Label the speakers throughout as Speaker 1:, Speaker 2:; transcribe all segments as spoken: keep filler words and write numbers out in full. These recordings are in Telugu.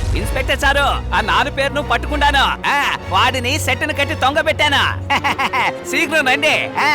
Speaker 1: ఇన్స్పెక్టర్ సారు ఆ నాలుగు పేరును పట్టుకున్నాను. వాడిని సెట్టును కట్టి తొంగ పెట్టాను. శీఘ్రం రండి.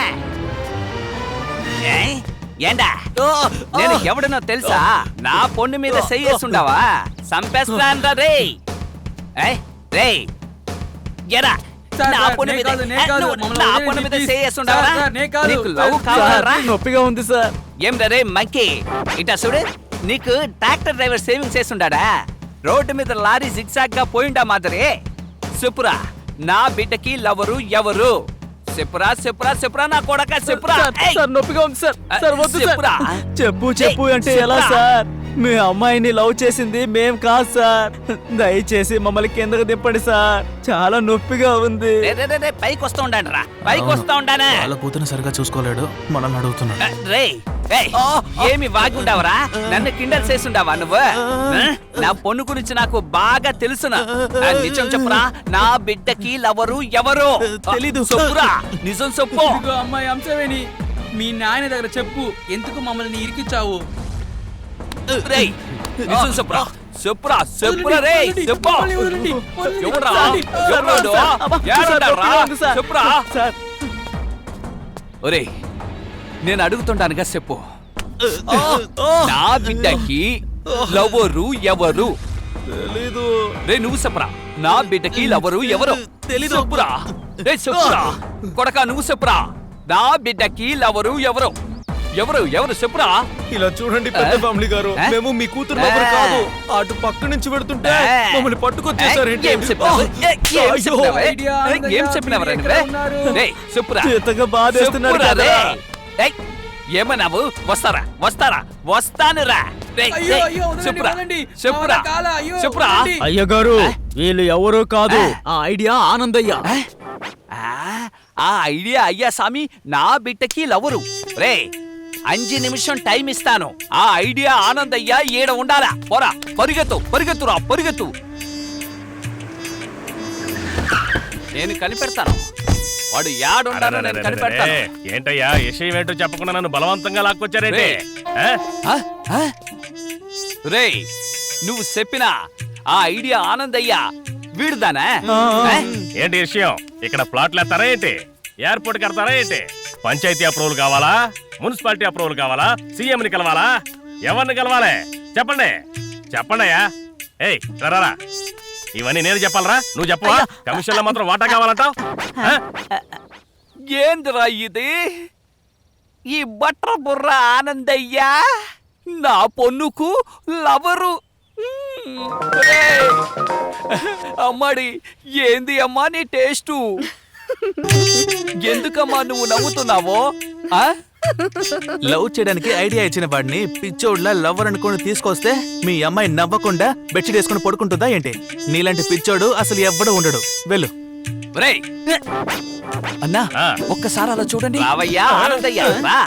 Speaker 1: ఏండా నేను ఎవడనో తెలుసా? నా పొన్ను మీద చెయ్యేసుండావా? సంపేస్తాను రే. రే ఎరా నా పొన్ను మీద నా పొన్ను మీద చెయ్యేసుండావా? నీకు లవ్ కావాలరా?
Speaker 2: నొప్పిగా ఉంది సార్.
Speaker 1: ఏం రే మంకీ, ఇటా చూడు. నీకు ట్రాక్టర్ డ్రైవర్ సేవింగ్ చేస్తుండా? రోడ్డు మీద లారీ జిగ్జాగ్ గా పోయిండా మాదిరి. చెప్పురా నా బిడ్డకి లవరు ఎవరు? చెప్పురా చెప్పురా చెప్పురా నా కొడక చెప్పురా.
Speaker 2: నొప్పిగా ఉంది సార్. సార్ వద్దు
Speaker 1: చెప్పురా.
Speaker 2: చెప్పు చెప్పు అంటే ఎలా సార్? మీ అమ్మాయిని లవ్ చేసింది మేం కాదు సార్. దయచేసి మమ్మల్ని కిందకు దింపండి సార్. చాలా నొప్పిగా ఉంది.
Speaker 1: పైకి వస్తూ ఉండండి రా, పైకి వస్తూ ఉండానే.
Speaker 3: వాళ్ళ కూతురు సరిగా చూసుకోలేడు, మనల్ని అడుగుతున్నాడు.
Speaker 1: రే ఏమి వాగుండావరా? నన్ను కిండల్ చేస్తుండావా నువ్వు? నా పొన్ను గురించి నాకు బాగా తెలుసునా. నిజం చెప్పురా, నా బిడ్డకి లవరు ఎవరు?
Speaker 2: తెలీదు.
Speaker 1: చెప్పురా, నిజం చెప్పు.
Speaker 4: అమ్మాయి అంశవేణి, మీ నాయన దగ్గర చెప్పు, ఎందుకు మమ్మల్ని ఇరికిచ్చావు?
Speaker 1: రేయ్ నిజం చెప్పురా, చెప్పురా చెప్పురా రే చెప్పు. ఎవరా చెప్పురా. ఒరే నేను అడుగుతుంటానుగా చెప్పు. నా బిడ్డకి లవరు ఎవరు?
Speaker 2: తెలీదు.
Speaker 1: రే నువ్వు చెప్పురా, నా బిడ్డకి లవరు ఎవరు? తెలీదు. చెప్పురా రే చెప్పురా కొడక, నువ్వు చెప్పురా, నా బిడ్డకి లవరు ఎవరు? ఎవరు ఎవరు చెప్పురా.
Speaker 2: ఇలా చూడండి పెద్ద ఫ్యామిలీ గారు, మేము మీ కూతురు లవర్ కాదు. అటు పక్క నుంచి పెడుతుంటే మమ్మల్ని పట్టుకొచ్చేసారేంటి?
Speaker 1: ఏం చెప్పినవరా? చెప్పురా. ఏమన్నావు? వస్తారా వస్తారా వస్తాను రా. చెప్పురా చెప్పురా చెప్పురా.
Speaker 2: అయ్య గారు వీళ్ళు ఎవరో కాదు, ఆ ఐడియా ఆనందయ్య.
Speaker 1: ఆ ఐడియా అయ్యా సామి నా బిడ్డకి లవరు. రే అంజు నిమిషం టైం ఇస్తాను. ఆ ఐడియా ఆనందయ్య ఈడ ఉండాలా. పోరా పరిగెత్తు పరిగెత్తురా పరిగెత్తు. నేను కనిపెడతాను వాడు యాడుండాలో నేను కనిపెడతాను.
Speaker 5: ఏంటయ్యా విషయం ఏంటో చెప్పకుండా నన్ను బలవంతంగా లాక్కొచ్చారేంటి?
Speaker 1: రే నువ్వు చెప్పిన ఆ ఐడియా ఆనందయ్య వీడుదానా?
Speaker 5: ఏంటి విషయం? ఇక్కడ ప్లాట్లు వేస్తారా ఏంటి? ఎయిర్పోర్ట్ కడతారా ఏంటి? పంచాయతీ అప్రూవల్ కావాలా? మున్సిపాలిటీ అప్రూవల్ కావాలా? సీఎంని కలవాలా? ఎవరిని కలవాలి? చెప్పండి చెప్పండి అయ్యా. ఏయ్ రారా, ఇవన్నీ నేను చెప్పాలరా? నువ్వు చెప్పవా? కమిషన్ లో మాత్రం వాటా కావాలంటావు?
Speaker 1: ఏందిరా ఇది? ఈ బట్ర బుర్ర ఆనందయ్యా నా పొన్నుకు లవరు. అమ్మాడి ఏంది అమ్మా నీ టేస్టు? ఎందుకమ్మా నువ్వు నవ్వుతున్నావో?
Speaker 3: లవ్ చేయడానికి ఐడియా ఇచ్చిన వాడిని పిచ్చోడ్లా లవ్వర్ అనుకుని తీసుకొస్తే మీ అమ్మాయి నవ్వకుండా బెడ్షీట్ వేసుకుని పడుకుంటుందా ఏంటి? నీలాంటి పిచ్చోడు అసలు ఎవ్వడు ఉండడు. వెళ్ళు.
Speaker 1: అన్నా ఒక్కసారి అలా చూడండి. రావయ్యా ఆనందయ్య.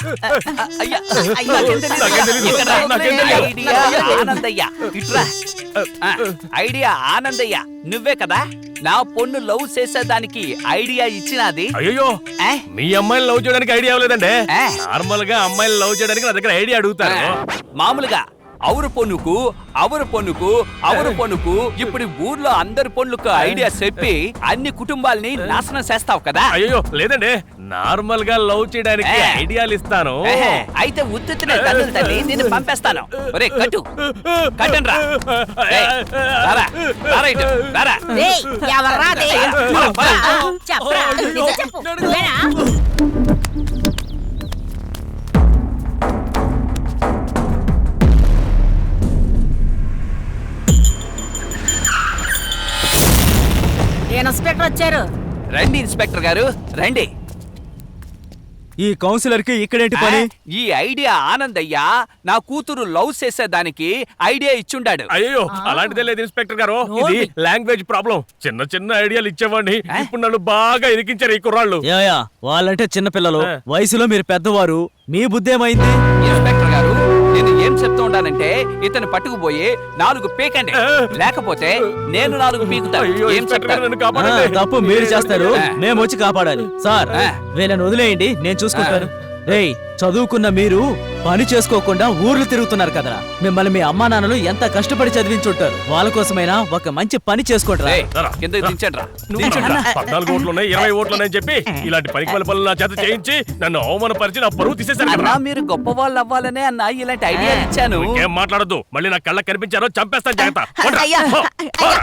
Speaker 1: ఆనందయ్య ఇట్రా. ఐడియా ఆనందయ్య నువ్వే కదా నా పొన్ను లవ్ చేసేదానికి ఐడియా ఇచ్చినది?
Speaker 5: అయ్యో మీ అమ్మాయిని లవ్ చేయడానికి ఐడియా ఇవ్వలేదండి. నార్మల్ గా అమ్మాయిని లవ్ చేయడానికి నా దగ్గర ఐడియా అడుగుతారు.
Speaker 1: మామూలుగా అవరు పొన్నుకు అవరు పొన్నుకు అవరు పొన్నుకు ఇప్పుడు ఊర్లో అందరి పొన్నుకు ఐడియా చెప్పి అన్ని కుటుంబాలని నాశనం చేస్తావు కదా?
Speaker 5: అయ్యో లేదండి, నార్మల్ గా లవ్ చేయడానికి ఐడియాలు ఇస్తాను.
Speaker 1: అయితే ఉత్తునే తల్లి తల్లి నిన్ను పంపేస్తాను. ఒరే కట్టు కట్టండి రా. రారా రారా ఇటు రారా.
Speaker 6: ఇన్స్పెక్టర్ వచ్చారు.
Speaker 1: రండి ఇన్స్పెక్టర్ గారు రండి.
Speaker 2: ఈ కౌన్సిలర్ కి ఇక్కడేంటి పని?
Speaker 1: ఈ ఐడియా ఆనందయ్య నా కూతురు లవ్ చేసేదానికి ఐడియా ఇచ్చుండాడు.
Speaker 5: అయ్యో అలాంటిదే లేదు ఇన్స్పెక్టర్ గారు, ఇది లాంగ్వేజ్ ప్రాబ్లం. చిన్న చిన్న ఐడియాలు ఇచ్చేవాడిని, ఇప్పుడు నన్ను బాగా ఇరికించారు ఈ కుర్రాళ్ళు.
Speaker 2: యాయా వాళ్ళంటే చిన్న పిల్లలు, వయసులో మీరు పెద్దవారు, మీ బుద్ధి ఏమైంది?
Speaker 1: ఇన్స్పెక్టర్ గారు నేను ఏం చెప్తూ ఉండానంటే ఇతను పట్టుకుపోయి నాలుగు పీకండి, లేకపోతే నేను నాలుగు పీకుతాను. ఏం చెప్తారు?
Speaker 2: తప్పు మీరు చేస్తారు, మేము వచ్చి కాపాడాలి. సార్ వీళ్ళని వదిలేయండి, నేను చూసుకుంటాను. రేయ్ చదువుకున్న మీరు పని చేసుకోకుండా ఊర్లు తిరుగుతున్నారు కదరా. మిమ్మల్ని మీ అమ్మా నాన్నలు ఎంత కష్టపడి చదివించుంటారు. వాళ్ళ కోసమైనా ఒక మంచి పని చేసుకోండిరా.
Speaker 1: రేయ్, కిందకి దించండ్రా.
Speaker 5: దించండ్రా. పద్నాలుగు ఓట్లున్నాయి ఇరవై ఓట్లున్నాయని చెప్పి ఇలాంటి పనికి పని పనులు నా చేత చేయించి నన్ను అవమానపరిచి నా పరువు తీసేశారు
Speaker 1: అన్నా
Speaker 5: కదా.
Speaker 1: మీరు గొప్ప వాళ్ళు అవ్వాలనే అన్న ఇలాంటి ఐడియా ఇచ్చాను.
Speaker 5: ఏం మాట్లాడద్దు, మళ్ళీ నా కళ్ళ కనిపించారో చంపేస్తాను జాగ్రత్త.
Speaker 6: అయ్యా,
Speaker 5: పో, పోరా.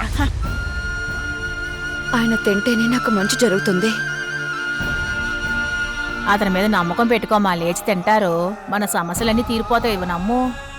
Speaker 6: ఆయన తింటేనే నాకు మంచి జరుగుతుంది.
Speaker 7: అతని మీద నమ్మకం పెట్టుకో, మా లేచి తింటారు, మన సమస్యలన్నీ తీరిపోతాయి. ఇవి నమ్ము.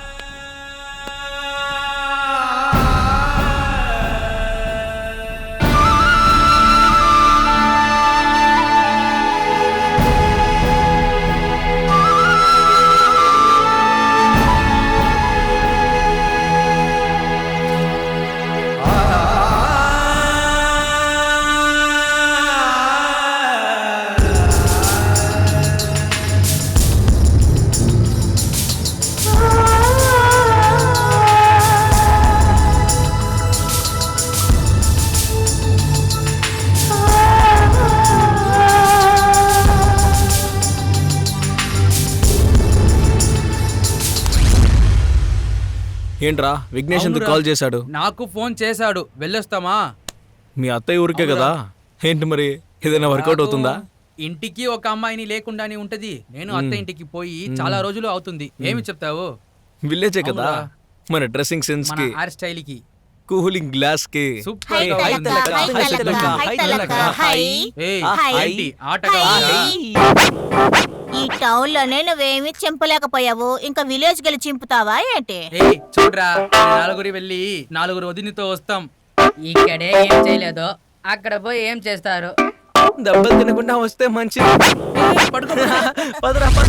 Speaker 2: ఏంట్రా విఘ్నేష్ ఎందుకు
Speaker 4: అవునురా.
Speaker 2: కాల్ చేశాడు?
Speaker 4: నాకు ఫోన్ చేశాడు, వెళ్ళొస్తామా?
Speaker 2: మీ అత్తయ్య ఊరికే కదా. ఏంటి మరి ఏదైనా వర్కౌట్
Speaker 4: నాకు
Speaker 2: అవుతుందా?
Speaker 4: ఇంటికి ఒక అమ్మాయిని లేకుండానే ఉంటది. నేను అత్త ఇంటికి పోయి చాలా రోజులు అవుతుంది. ఏమి చెప్తావు?
Speaker 2: విలేజే కదా.
Speaker 4: అవునురా.
Speaker 2: మన డ్రెస్సింగ్ సెన్స్
Speaker 4: మన
Speaker 2: కి,
Speaker 4: హెయిర్ స్టైల్ కి
Speaker 2: కూలింగ్ గ్లాస్ కి.
Speaker 4: సూపర్
Speaker 7: హై
Speaker 4: గా
Speaker 7: తలక,
Speaker 4: ఉంది.
Speaker 7: హై తలక, హై తలక, హై.
Speaker 4: ఏయ్,
Speaker 7: హై.
Speaker 4: ఏంటి ఆటగా ఉందా?
Speaker 7: ఈ టౌన్ లోనే నువ్వేమి చింపలేకపోయావు, ఇంకా విలేజ్ గెలి చింపుతావా ఏంటి?
Speaker 4: ఏయ్, చూడరా, ఈ నలుగురి వెళ్ళి నలుగురు వదినితో వస్తాం.
Speaker 8: ఇక్కడే ఏం చేయలేదు, అక్కడ పోయి ఏం చేస్తారు?
Speaker 2: దెబ్బలు తినకుండా వస్తే మంచిది.
Speaker 4: ఏయ్, పడుకో, పడుకో.
Speaker 2: పదరా పద.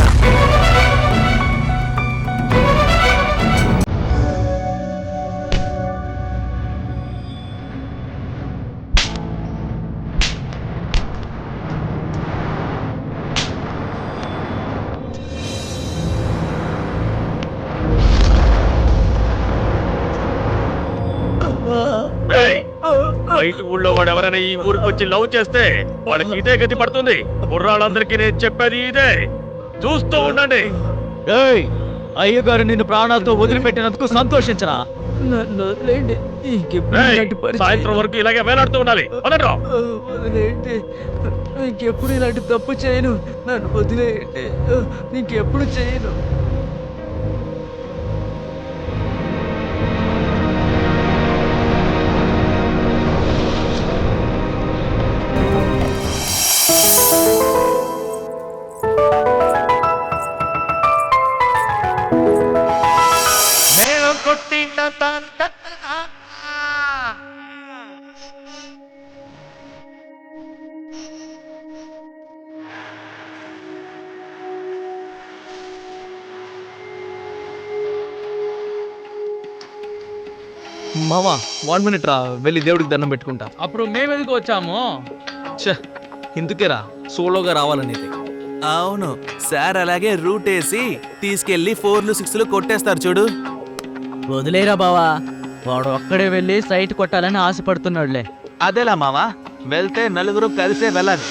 Speaker 5: ఏయ్, బయట ఊళ్ళో వాడు ఎవరైనా ఈ ఊరికి వచ్చి లవ్ చేస్తే వాళ్ళకి ఇదే గతి పడుతుంది. కుర్రాళ్ళందరికీ నేను చెప్పేది ఇదే, చూస్తూ ఉండండి.
Speaker 2: అయ్యగారు నిన్ను ప్రాణాలతో వదిలిపెట్టినందుకు సంతోషించరా. నన్ను వదిలేండి. ఇంకెప్పుడు
Speaker 5: ఏయ్,
Speaker 2: ఇలాంటి పరిస్థితి-
Speaker 5: సాయంత్రం వరకు ఇలాగే వేలాడుతూ ఉండాలి. వదలరా.
Speaker 2: వదిలేయండి. ఇంకెప్పుడు ఇలాంటి తప్పు చేయను. నన్ను వదిలేయండి. ఇంకెప్పుడు చేయను. మామా వన్ మినిట్ రా, వెళ్ళి దేవుడికి దండం పెట్టుకుంటా.
Speaker 4: అప్పుడు మేము ఎందుకు వచ్చాము?
Speaker 2: ఛే, ఇందుకేరా సోలోగా రావాలనేది.
Speaker 3: అవును సార్, అలాగే రూట్ వేసి తీసుకెళ్లి ఫోర్లు సిక్స్లు కొట్టేస్తారు చూడు.
Speaker 2: వదిలేరా బావా, వాడు ఒక్కడే వెళ్ళి సైట్ కొట్టాలని ఆశపడుతున్నాడులే.
Speaker 3: అదేలా మావా, వెళ్తే నలుగురు కలిసే వెళ్ళాలి.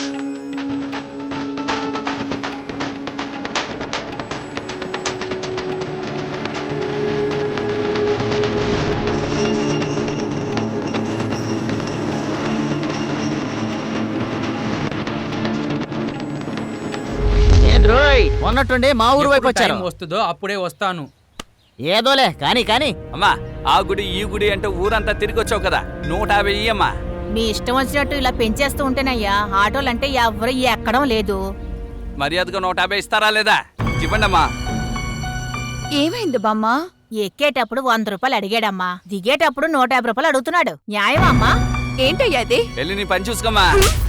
Speaker 2: ఉన్నట్టుండి మా ఊరు వైపు
Speaker 4: ఎప్పుడు
Speaker 2: వచ్చారు.
Speaker 4: టైం వస్తుందో అప్పుడే వస్తాను.
Speaker 2: ఏదోలే కానీ కానీ
Speaker 1: అమ్మా, ఆ గుడి ఈ గుడి అంటే ఊరంతా తిరిగి వచ్చావు కదా, నూట యాభై ఇయ్యమ్మా.
Speaker 7: మీ ఇష్టం వచ్చినట్టు ఇలా పెంచేస్తూ ఉంటేనయ్యా ఆటోలంటే ఎవరు ఎక్కడం లేదు.
Speaker 1: మర్యాదగా నూట యాభై ఇస్తారా లేదా? ఇవ్వండమ్మా.
Speaker 6: ఏమైంది బామ్మ?
Speaker 7: ఎక్కేటప్పుడు వంద రూపాయలు అడిగాడమ్మా, దిగేటప్పుడు నూట యాభై రూపాయలు అడుగుతున్నాడు. న్యాయమా అమ్మా?
Speaker 6: ఏంటయ్యా ఇది?
Speaker 1: వెళ్ళి నీ పని చూసుకోమ్మా.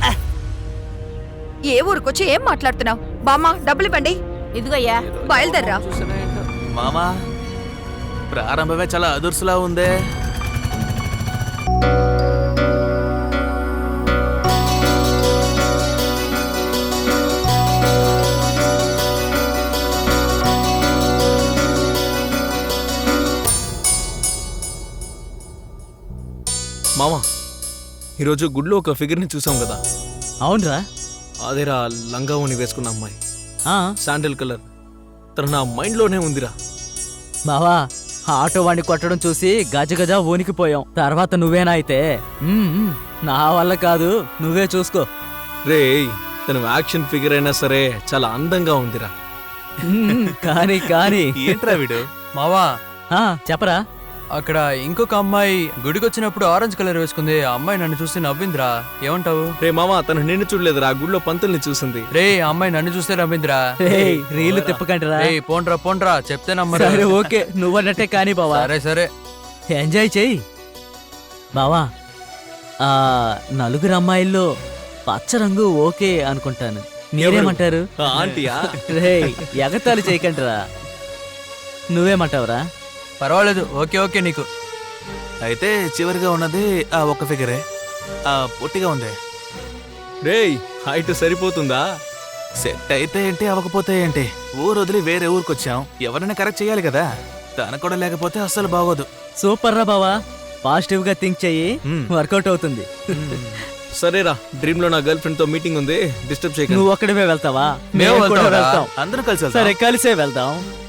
Speaker 6: ఏ ఊరికొచ్చి ఏం మాట్లాడుతున్నావు? బామ్మ, డబ్బులు ఇవ్వండి.
Speaker 7: ఇదిగోయ్యా.
Speaker 6: బయలుదేర్రా.
Speaker 3: మామా, ప్రారంభమే చాలా అదుర్సులా ఉందే.
Speaker 2: మామా, ఈరోజు గుడిలో ఒక ఫిగర్ని చూసాం కదా.
Speaker 9: అవునరా,
Speaker 2: అదేరా లంగా ఓని వేసుకున్న అమ్మాయి, శాండిల్ కలర్.
Speaker 3: తను నా మైండ్ లోనే ఉందిరా.
Speaker 2: బావా ఆటో వాడిని కొట్టడం చూసి గజ గజ వణికిపోయాం. తర్వాత నువ్వేనా అయితే మ్మ్, మ్మ్. నా వల్ల కాదు, నువ్వే చూసుకో.
Speaker 3: రేయ్ తను యాక్షన్ ఫిగర్ అయినా సరే చాలా అందంగా ఉందిరా.
Speaker 2: మ్మ్, కానీ కానీ
Speaker 3: ఏంట్రా వీడు?
Speaker 9: మావా
Speaker 2: ఆ, చెప్పరా.
Speaker 9: అక్కడ ఇంకొక అమ్మాయి గుడికి వచ్చినప్పుడు ఆరెంజ్ కలర్ వేసుకుంది. ఆ అమ్మాయి నన్ను చూసి నవ్విందిరా, ఏమంటావు?
Speaker 3: రే మామ తను నిన్ను చూడలేదురా, ఆ గుడిలో పంతుల్ని చూసింది.
Speaker 9: రే ఆ అమ్మాయి నన్ను చూస్తే నవ్విందిరా.
Speaker 2: రేయ్, రీళ్లు తిప్పకండిరా.
Speaker 9: రే పోండ్రా పోండ్రా, చెప్తే నమ్మరు.
Speaker 2: సరే ఓకే, నువ్వన్నట్టే కానీ బావా.
Speaker 9: సరే సరే
Speaker 2: ఎంజాయ్ చెయ్యి బావా. ఆ నలుగురు అమ్మాయిల్లో పచ్చ రంగు ఓకే అనుకుంటాను. మీరేమంటారు?
Speaker 3: ఆ ఆంటీయా?
Speaker 2: రేయ్ ఎగతాళి చేయకండిరా. నువ్వేమంటావురా?
Speaker 9: పర్వాలేదు, ఓకే ఓకే నీకు.
Speaker 3: అయితే చివరిగా ఉన్నది ఆ ఒక్క ఫిగరే, ఆ పొట్టిగా ఉంది. రేయ్ హైట్ సరిపోతుందా? సెట్ అయితే ఏంటి, అవ్వకపోతే ఏంటి, ఊరు వదిలి వేరే ఊరికొచ్చాం, ఎవరైనా కరెక్ట్ చేయాలి కదా. తన కూడా లేకపోతే అస్సలు బాగోదు.
Speaker 2: సూపర్ రా బావా, పాజిటివ్ గా థింక్ చెయ్యి,
Speaker 3: మ్మ్.
Speaker 2: వర్కౌట్ అవుతుంది.
Speaker 3: సరేరా, డ్రీమ్ లో నా గర్ల్ ఫ్రెండ్ తో మీటింగ్ ఉంది, డిస్టర్బ్ చేయకండి.
Speaker 2: నువ్వు ఒక్కడివే వెళ్తావా?
Speaker 9: మేము
Speaker 2: మేము కూడా
Speaker 9: వెళ్తాంరా.
Speaker 2: వెళ్తాం.
Speaker 3: అందరం కలిసి వెళ్దాం.
Speaker 2: సరే కలిసే వెళ్దాం.